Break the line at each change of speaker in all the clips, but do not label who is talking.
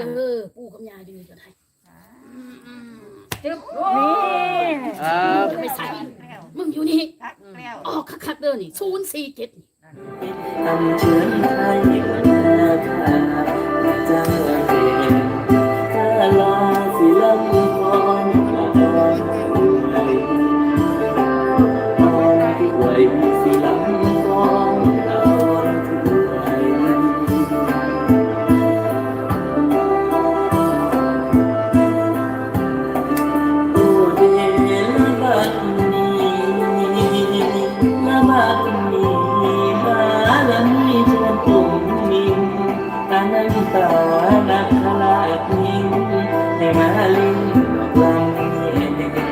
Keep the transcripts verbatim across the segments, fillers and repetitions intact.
เออปู่กับย่าดื้อก็ได้
จึ๊บ
นี่ครับ
ไม่ใส่มึงอยู่นี่
ทักแล้ว
ออกคักๆเด้อนี่ศูนย์สี่เจ็ดนี่
ทำเชิญไทยนาคาจังหวัดเดียวถ้าลาสิลำพรตอนไหนตอนที่ไหวสิลำพรตอนที่ไหวโอ้เดละบัดนี้ละบัดนี้และมีเธอผมมินตานันตานักขลาดนิ่งให้มาลิงลำเย็น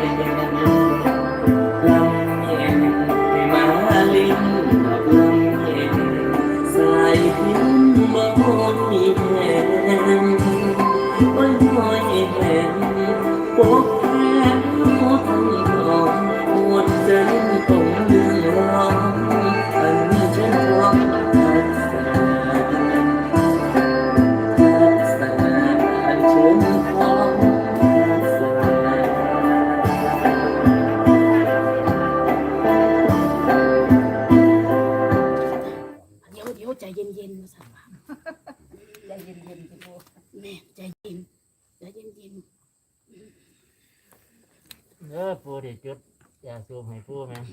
ลำเย็นให้มาลิงลำเย็นสายพิมพ์บ่มีแทนโอ้ยโอ้ยแทนปกแทนหัวทั้งทองหมดใจตรงเรื่องร้องอันนี้ฉันร้อง
เดี๋ยวเดี๋ยวใจเย็นๆมาสั่งว่า
ใจเย็นๆสิปู
แม่ใจเย็นใจเย็น
เออปูดิจุดยาสูบให้ปูไหม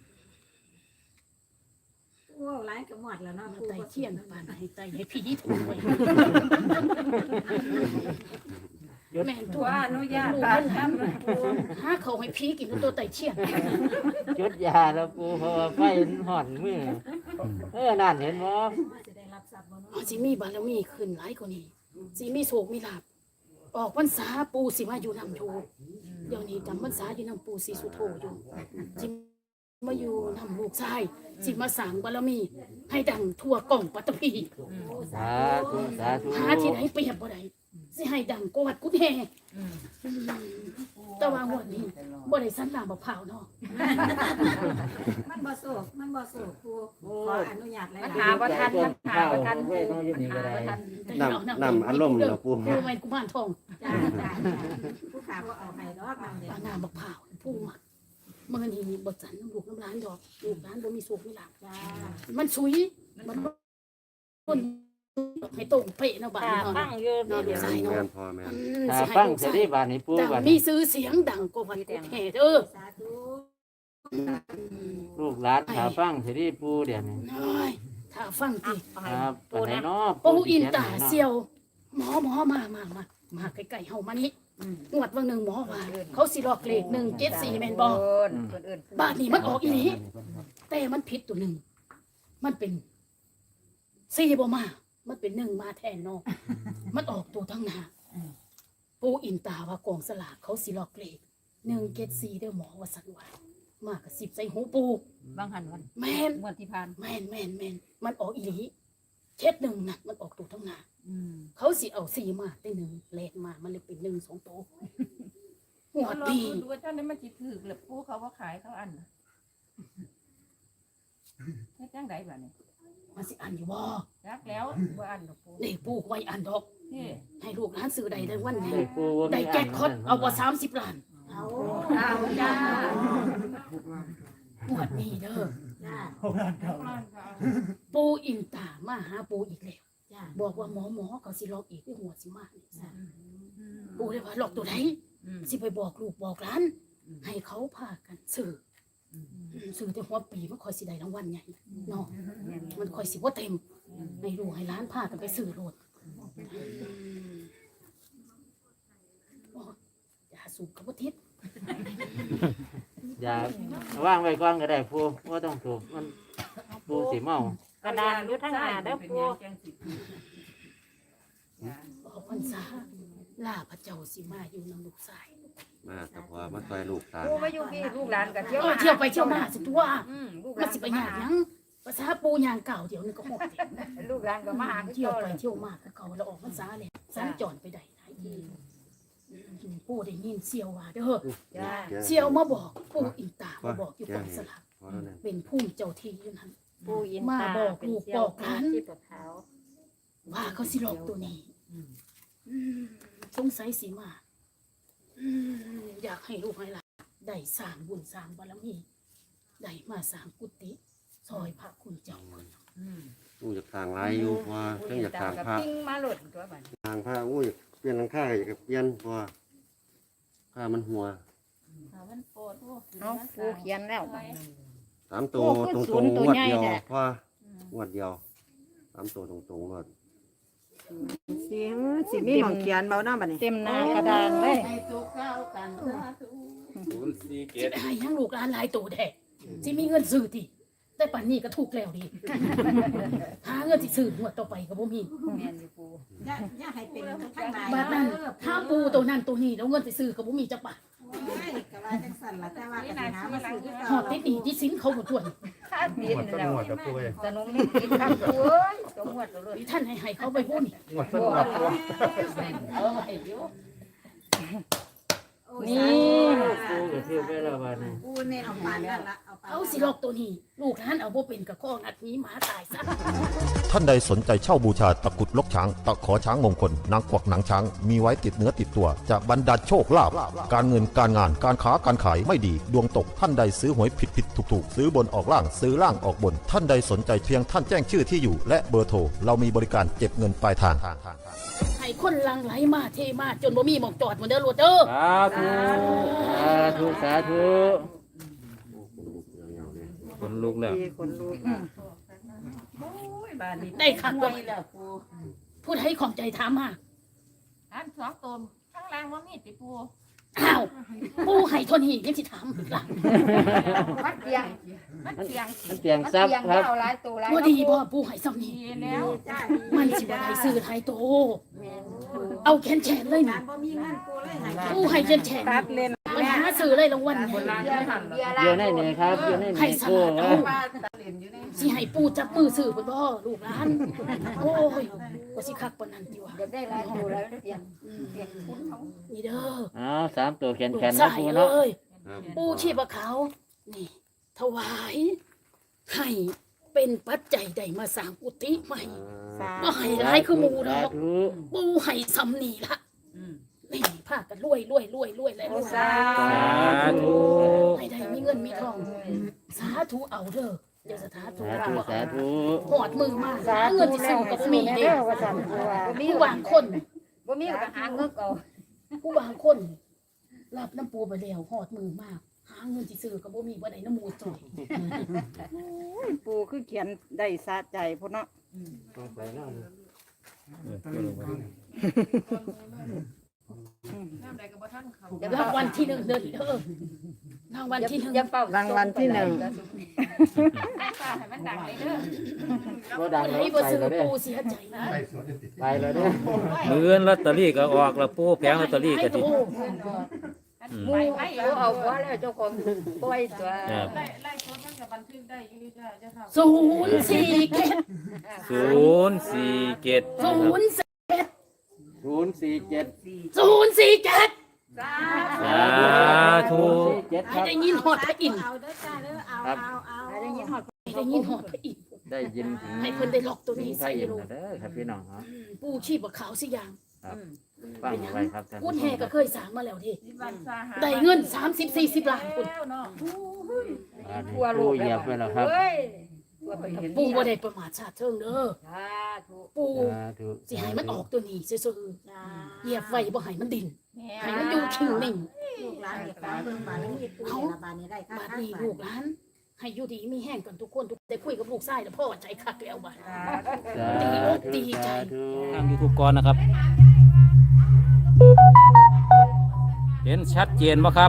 ว้าวร้านก็หมดแล้วเนาะ
ๆมา
ปู
ไต่เทียนปานให้ไต่ให้พี่นี่ถูกไว้แม่นตัว
ว่าอนุญาตการทำนะปู
หาเขาให้พี่กินตัวไต่เทียน
จุดยาแล้วปูเพราะว่าไฟห่อนมือเออนั่นเห็นบ่
จะได้รับทรัพย์บ่เนาะ
อ๋อสิมีบารมีขึ้นหลายกว่านี้สิมีโศกมีลาภออกพรรษาปู่สิมาอยู่นำอยู่เดี๋ยวนี้จำพรรษาอยู่นำปู่ศรีสุโธอยู่สิมาอยู่นำลูกชายสิมาสร้างบารมี ให้ดังทั่วกล่องปัตตภี
สาธุสาธุ
หาที่ไหนเปรียบบ่ได้สิให้ดังกวัดกุดแห่แต่ว่างวดนี้บ่ได้สันหลามบ่พร้าวเนาะ
มันบ่โศกมันบ่โศกปูขออนุญาตหลาย
มัน
ๆ
หาบ่ทันมันหาบ่ทันเว้ยน้องอยู่นี่ก็ได้
นำนำอารมณ์เหรอปู่
ปู่แม่นกุมารทอง
จ้าจ้าผู้ขาบ่เอาให้ดอกมันเนี่ย
ปาน้ำบ่พร้าวปู่มักมื้อนี้บ่สันน้ำลูกน้ำหลานดอกลูกหลานบ่มีโศกมีลาภ
จ้า
มันสุยมันคนให้ตรงเป๊ะเนาะบ้าน
ตา
เนาะ
ฟังอยู่
เนาะเดี๋ยวใส่
แม่
เนาะ
นพ่อแม่น
ตาฟังเสร็จได้บาดนี้ปู
ดัง
บาด
มี
นี้
ซื้อเสียงดังกว่ากุดแห่เด้อ
สาธุ
ลูกหลานตาฟังเสร็จได้ปูเดี๋ยวนี้
น้อยถ้าฟังติ
ครับปานไหนเนาะ
ปูอินตาเซียว หมอหมอมามามามาใกล้ๆเฮามานี่งวดวันหนึ่งหมอว่าเขาสิลอกเลขหนึ่งเจ็ดสี่แม่นบ่บาทนี้มันออกอีหลีแต่มันผิดตัวหนึ่งมันเป็นสี่บ่มามันเป็นหนึ่งมาแทนเนาะมันออกตัวทั้งหน้าปูอินตาว่ากองสลากเขาสิลอกเลขหนึ่งเจ็ดสี่เด้อหมอว่าสันว่ามากระสิบใส่หูปู
บางหันวัน
แม่น
งวดที่ผ่าน
แม่นแม่นแม่นมันออกอีหลีเช็ดหนึ่งน่ะมันออกตัวทั้งหน้า
อืม
เขาสิเอาสี่มาได้หนึ่งเลขมามันเลยเป็นหนึ่งสองตัวหัว
ลอง
ดี
ดูว่าเจ้านี้มันจิถือหรือผู้เขาว่าขายเขาอันน่ะเฮ็ดจังไดบ่เนี่ย
มันสิอ่านอยู่บ่
รักแล้วว่าอันดอกปู
นี่ปู่ไว้อ่านดอก
นี่
ให้ลูกหลานซื้อใดได้วันนี้
เลขปูบ่
ได้
มี
แจ็คพอตเอาว่าสามสิบล้าน
เอา
เอาจ้า
หัวดีเด้อ
จ้า
ปู่อินตามาหาปู่อีกแล้ว
จ้า
บอกว่าหมอหมอเขาสิลอกอีกที่หัวสิมานี่จ้ะปู่เลยว่าลอกตัวไหนสิไปบอกลูกบอกหลาน ให้เขาพากันซื้ออซื้อแต่หัวปีมันคอยสิได้รางวัลใหญ่เนาะมันคอยสิบ่เต็มให้ลูกให้หลานพากันไปซื้อโลดโอ้ยอย่าสูบกับบ่ทิศ
อย่าว่างไว้ก่อนก็ได้ปูบ่ต้องถูกมันปูสิเมา
กระดานอยู่ทางหน้าเด้อปู
ออกพรรษาลาพระเจ้าสิมาอยู่นำลูกชาย
มาแต่พอมาต่อยลูกตา
ปูมาอยู่พี่ลูกหลานก็เที่ยว
เออเที่ยวไปเที่ยวมาสิตัว
อืมลูกห
มั
ลาน น
สิไปหยาดหยังภาษาปูยางเก่าเดี๋ยวนึงก็หมด
ลูกหลานก็มาหา
เที่ยวไปเที่ยวมาก็เก่าแล้วออกพรรษาเลยสัญจรไปได้หลายทีปูได้ยินเสียวว่าเด้อ
จ้า
เสียวมาบอกปูอินตามาบอกอยู่กองสลาก
พอแล้วเนี่ย
เป็นผู้เจ้าที่อยู่นั่น
ปูอิน
มา
ตา
บอก
เป็น
ลูก
เสี่ย
บ
ว
อกหลาน
ที่ปวดเท้า
ว่าเขาสิหลอกตัวนี้อืมงสัยสิมาอืมอยากให้ลูกให้หลานได้สร้างบุญสร้างบารมีได้มาสร้างกุฏิซอยพระคุณเจ้าคน
อู้อยากทางหลายอยู่เพราะว่าเพิ่งอยากทางพระ
ปิ้งมาหลุดตัวบัด
ทางพระอู้อยากเปลี่ยนหลังคาอยากเปลี่ยนเพราะว่าผ้ามันหัว
เอามันโปรดโอ้
น้องปูเขียนแล้ว
สามตัวตรงๆงวดเดียวเพราะว่างวดเดียวสามตัวตรงๆงวด
สิสิมีหมองเขียนเบาหน้าบัดนี้
เต็มหน้ากระดานเลย
ให้ตุกเข้ากันสาธุ
ศูนย์สี่เจ็
สิ
ด
ไปให้ยังลูกหลานหลายตัวแท้สิมีเงินซื้อติแต่ป่านนี้ก็ถูกแล้วดิ หาเงินสิซื้อหัวดต่อไปก็บ่มี
แม่นอยู่ปู
อย่าอย่าให้เป็นข้างใน
บาดนั้นถ้าปูตัวนั้นตัวนี้แล้วเงินสิซื้อก็บ่มีจักบาท
ไม่ก็ว่าจังสั่นล่ะแต่ว่าก็สิหามาซื้อคือ
หอ
เก่า
ดติดหนี้ที่สินเขาบ่ทวน
ค่าตีนแล้วสนุกนี่กินข้าวปูเอ้ยตัวหมดตัวเลย
ที่ท่านให้ให้เขาไปพูดนี่
เอาไว้อยู่
นี่
ปูก็ซื้อไปแล้วบัดนี้
ปูเน้นเอาปานนั่นล่ะเอาปาน
เอาสิลอกตัวนี้ ลูกหลานเอาบ่เป็นก็ข้องัดหนี้หมาตายซะ
ท่านใดสนใจเช่าบูชาตะกรุดลกช้าง ตะขอช้างมงคล นางกวักหนังช้าง มีไว้ติดเนื้อติดตัว จะบรรดาลโชคลาภการเงินการงานการค้าการขายไม่ดี ดวงตกท่านใดซื้อหวยผิดผิดถูกถูกซื้อบนออกล่างซื้อล่างออกบน ท่านใดสนใจเพียงท่านแจ้งชื่อที่อยู่ และเบอร์โทรเรามีบริการเก็บเงินปลายทาง
ให้คนหลังไหลมาเทมาจนบ่มีหมองจอดหมดเด้อลูกเด้อ
สาธุสาธุสาธุ
คนลุกแล้ว
มีคนรู้
โอ้ยบ้านนี้
ได้คัก
บ่
บ่
แล้วปู
ผู้ใดของใจถามมา
อันสองตนข้างล่างบ่มีติปู
อ้าวผู้ให้เทนนี้ยังสิถามอีกล่ะ
มันเตียงมันเตียง
มันเตียงซับครับ
เอาหลายตัวหลาย
บ่ดีบ่ผู้ให้ซ้ำนี้
ดีแล้ว
จ้า
มันสิบ่ได้ซื้อไทยโต เอาแขนแขนเลยนะ
บ่มีเงินปูเลยให้
ผู้ให้แขนแขน
ตัดเลน
มันหาซื้อเลยรางวัลนี่
เดี๋ยวในนี่ครับเดี๋ยวใน
ให้
นี่
ส
ปู
ลัด
ค
เอา
รับ
สิให้ปู่จับมือซื้อเพิ่นบ่ลูกหลานโอ้ยก็สิคักปานนั้นติว่า
อยากได้หลายตัวแล้วเตียงเตียงคุณเขา
นี่เด้อ
อ๋อสามตัวแขน
ลู
แข
ก
น
ชา
นะ
ย
ปู
เอ
เนาะ
้ย
ครับ
ปู่ชีพขาวนี่ ถวายให้เป็นปัจจัยได้มาสร้างกุฏิใหม่
สา
บ่ให้หลายคือหมู่ด
สา
อก
ธุ
ปู่ให้ซ้ำนี่ล่ะนี่พากันรวยรวยรวยรวยแล้วรวย
สา
สาธุ
ให้ได้มีเงินมีทอง สาธุเอาเด้อเดี๋ยวสาธุ
สาธุสาธุ
หอดมือมาหาเงินที่ซื้อก็บ่มีเด้
ว่าสั่นว่า
ผู้บางคน
บ่มีก็หาเงินเอา
ผู้บางคนรับน้ำปูไปแล้วหอดมือมาก หาเงินที่ซื้อก็บ่มีบ่ได้น้ำมูจ่อย
ปูคือเขียนได้สะใจพุ่นเนาะ
ต้องไปเนาะ
น้ำใดก็บ่ทันเขา
รางวัลที่หนึ่งเด้อเด้อรางวัลที่หนึ่ง
อย่าเป่าร
างวัลที่หนึ่ง
ป้าให้มันดังเลยเด้อ
บ่ดัง
ไหน
แล้ว
บ่
ไป
ซื้อ
แล้วเด้อ
ปูเสียใจนะ
ไปแล้วเด้อ
มือเงินลอตเตอรี่ก็ออกแล้วปูแผงลอตเตอรี่ก็สิ
หมู่เอาเอาหัวแล้วเจ้าของปล่อยตัว
ครับ
ศูนย์สี่เจ็ด
ศูนย์สี่เจ็ด
ศูนย์สี่เจ็ด
ศูนย์สี่เจ็ด
ศูนย์สี่เจ็ด
สาธุ
เจ็ดค
ให้
รับ
ได้ยินหอดพระอินทร์
เอาเด้อจ้าเด้อเอาเอาเอา
ให้ได้ยินหอดให้ได้ยินหอดพระอินทร์
ได้ยินถึง
ให้เพิ่นได้ล็อกตัว
ถึง
นี้
ไท
ใส่
ยอิน
ลูก
เด้อครับพี่น้องครับ
ปูชีพขาวสิอย่าง
ครับฟังเอาไว้ครับท่าน
กุ
ผู้
ด
ช
แห่
มค
ก็
รับ
เคยสร้างมาแล้วที
วันสาหา
ได้เงินสามสิบสี่สิบล้านคุณ
แล้วเนาะ
อ่านี่ปูเหยียบไปแล้วครับ
เฮ้ยตัวไปเห็น
ปูบ่ได้ประมาทชาติเชิงเด้อ
สาธุ
ปู
สาธุ
สิให้มันออกตัวนี้ซื่อๆเหยียบไว้บ่ให้มันดิ่น
แม่
ให้มันอยู่คิงนิ่ง
ลูกหลานนี่ตามเบิ่งบารมีปูนี่ละบานนี้ได้ค่ะ
บาดนี้ลูกหลานให้อยู่ดีมีแห้งกันทุกคนทุกได้คุยกับลูกชายแล้วพ่อใจคักแล้วบาด
สา
ดีอก
ธุ
ดีใจ
สาธุ
ทางยูทูบก่อนนะครับ เห็นชัดเจนไหมครับ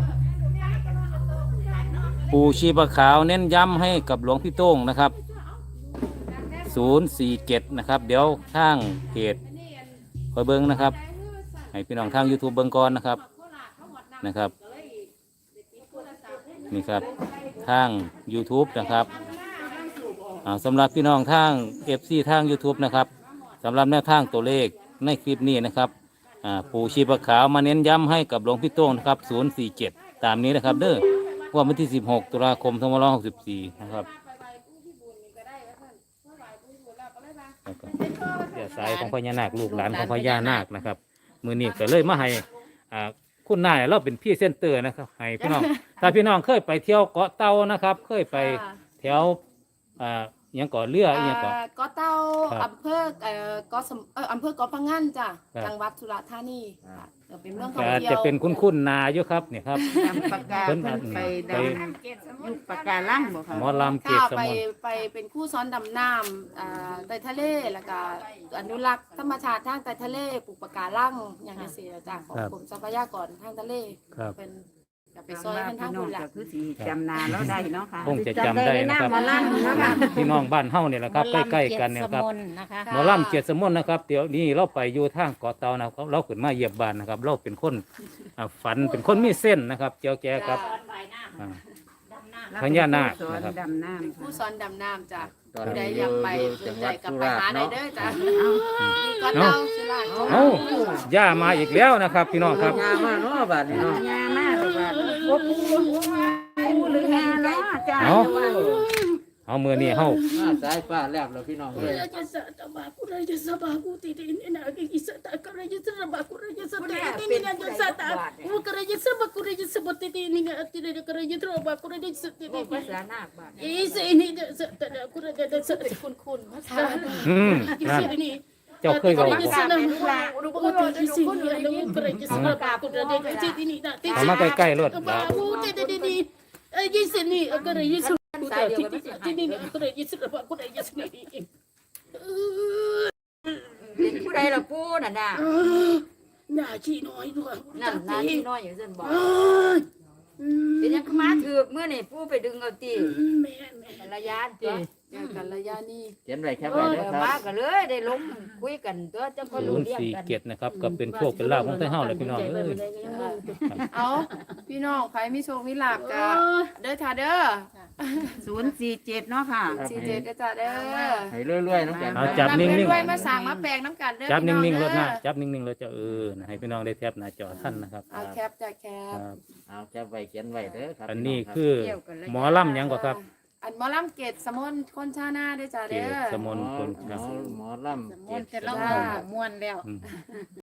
ปู่ชีพขาวเน้นย้ำให้กับหลวงพี่โต้งนะครับศูนย์สี่เจ็ดนะครับ เดี๋ยวทางเพจคอยเบิ้งนะครับ ให้พี่น้องทาง YouTube เบิ้งก่อนนะครับนะครับนี่ครับทาง YouTube นะครับอ่าสำหรับพี่น้องทาง เอฟ ซี ทาง YouTube นะครับสำหรับแนวทางตัวเลขในคลิปนี้นะครับอ่าปู่ชีพขาวมาเน้นย้ำให้กับหลวงพี่โต้งนะครับศูนย์สี่เจ็ดตามนี้นะครับเด้อวันที่สิบหกตุลาคมสองพันห้าร้อยหกสิบสี่นะครับเดี๋ยวสายของพญานาคลูกหลานของพญานาคนะครับมือนี้ก็เลยมาให้อ่าคุณนายเราเป็นพี่เซนเตอร์นะครับให้พี่น้อง ถ้าพี่น้องเคยไปเที่ยวเกาะเต่านะครับ เคยไปแถวอ่าอหยังเกาะเรืออหยังเกาะ
เอ่อเกาะเต่า
ครับ
อำเภอเอ่อเกาะสมเอ่ออำเภอเกาะพังงันจ้ะ
ครับ
จังหวัดสุราษฎร์ธานีค่ะเดี๋ยวเป็นเมืองท่อง
ก็
เที่ยว
จะเป็นคุ้นๆนาอยู่ครับเนี่ยครับ
ดำปากกา
เพิ่น
เพิ่นไป
ไป
ดำยุคปากกาล่างบ่ค่ะ
หมอลำเก
ค่ะ
ตส
ไป
มุน
ไปเป็นคู่ซ้อนดำน้ำอ่าใต้ทะเลแล้วก็อนุรักษ์ธรรมชาติทางใต้ทะเลปลูกปะการังอย่างนี้สิจ้ะของกรมทรัพยากรทางทะเล
ครับ
เป็นกับไป
ไป
ซ
ซ
อ
อย ย
เป็น
ทา
ทาง ง
น้อ
บุ
ง
ญละ
ก็คือสิจำนาแล้วได้เนาะค่ะ
คงจะจำได้นะครับ
หมอลำเนาะค่ะ
พี่น้องบ้านเฮาเนี่ยแหละครับใกล้ๆกันเนี่ยครับ
นะคะ
หมอลำเกียรติสมุนนะครับเดี๋ยวนี้เราไปอยู่ทางเกาะเต่านะครับเราขึ้นมาเหยียบบ้านนะครับ เราเป็นคนอ่าฝันเป็นคนมีเส้นนะครับเจียวแกกับอ่า พญานาค
สอน
นะครับ
ดำน้ำ
ผู้ซ้อนดำน้ำจ้ะ
ตอน
ผู้ใด
นี้
อยากไป
อยู่
สน
จังห
ใจ
วัด
กับ
สุ
ไป
ราษ
หา
ฎร์
ได้
เนาะ
เด้อจ้ะมีเกาะเต่าสุราษฎร์
เอ้าย่ามาอีกแล้วนะครับ พี่น้องครับ
งามมากเนาะบาดนี้เนาะ
งามมากเลยว่าบ่ปูปูหรืองานเนาะจ้า
เอาเอามือนี่เฮา
มาสายฟ้าแลบแล้วพี่น้องเอ้ย
Raja Sata Baku Raja Sabaku Titi ini nak gigi sata Raja Sabaku Raja Sata ini Raja Sata bukan Raja Sabaku Raja Sabat Titi ini nggak tidak Raja Sabaku Raja Sata
ภาษาหน้าบ้าน
ini ini Sata aku Raja Sata
คุณคุณภาษา
อืมนั่น
ini
เจ้าเคยบอก
Raja Sana bukan di sini ada Raja Sabaku Raja Sata ini nak
เอามาใกล้ๆรถ
Baku Titi ini Raja sini aku Raja Sabaku Titi ini aku Raja Sabaku Raja Sata ini
เป็นผู้ใดล่ะปูน่ะน่ะ
หน้าขี้น้อยด้วย
นั่นนาที่น้อยอยู่ซั่นบอก
เอ้ยอืม
เป็นหยังคือมาถือกมื้อนี่ปูไปดึงเอาติ
แม่แม่
ระยะติ
เจอกันระยะนี้
เขียนไว้แคป
เอ
ไว้
อ
เด้อครับ
มาก็เลยได้ลงคุยกันตัวจังก็
ศู
รู้
นย์
เรื่อง
สี่
กัน
เกียรตินะครับก็เป็นพวกเป็นลาบของไทยเฮาเลยพี่น้องเอ้ย
เอาพี่น้องใครมีโชคมีลาบก็เด้อจ้าเด้อ
ศูนย์สี่เจ็ดเนาะค่ะ
สี่เจ็ดเด้อจ้าเด้อ
ให้รวยๆน้ำกัน
เอาจับนิ่ง
รวยๆมาสั่งมาแปลงน้ำกันเด้อ
ๆจับ
พี่
นิ่งๆรถนะ
เด้อ
จับนิ่งๆรถจะเออให้พี่น้องได้แทบหน้าจอท่านนะครับ
เอาแคปจ้ะแค
ค
ป
รับ
เอาแคปไว้เขียนไว้เด้อครับ
อันนี้
พี่งรับ
คือหมอลำหยังกว่าครับ
อันหมอลำเกตสมนคนชาหน้าเด้อจ้า
เก
เด้
ศ
อ
สมนคน
หม
ครับ
อหมอลำ
ม่วนแต่ละ
จ้า
ม่วนแล้ว
อืม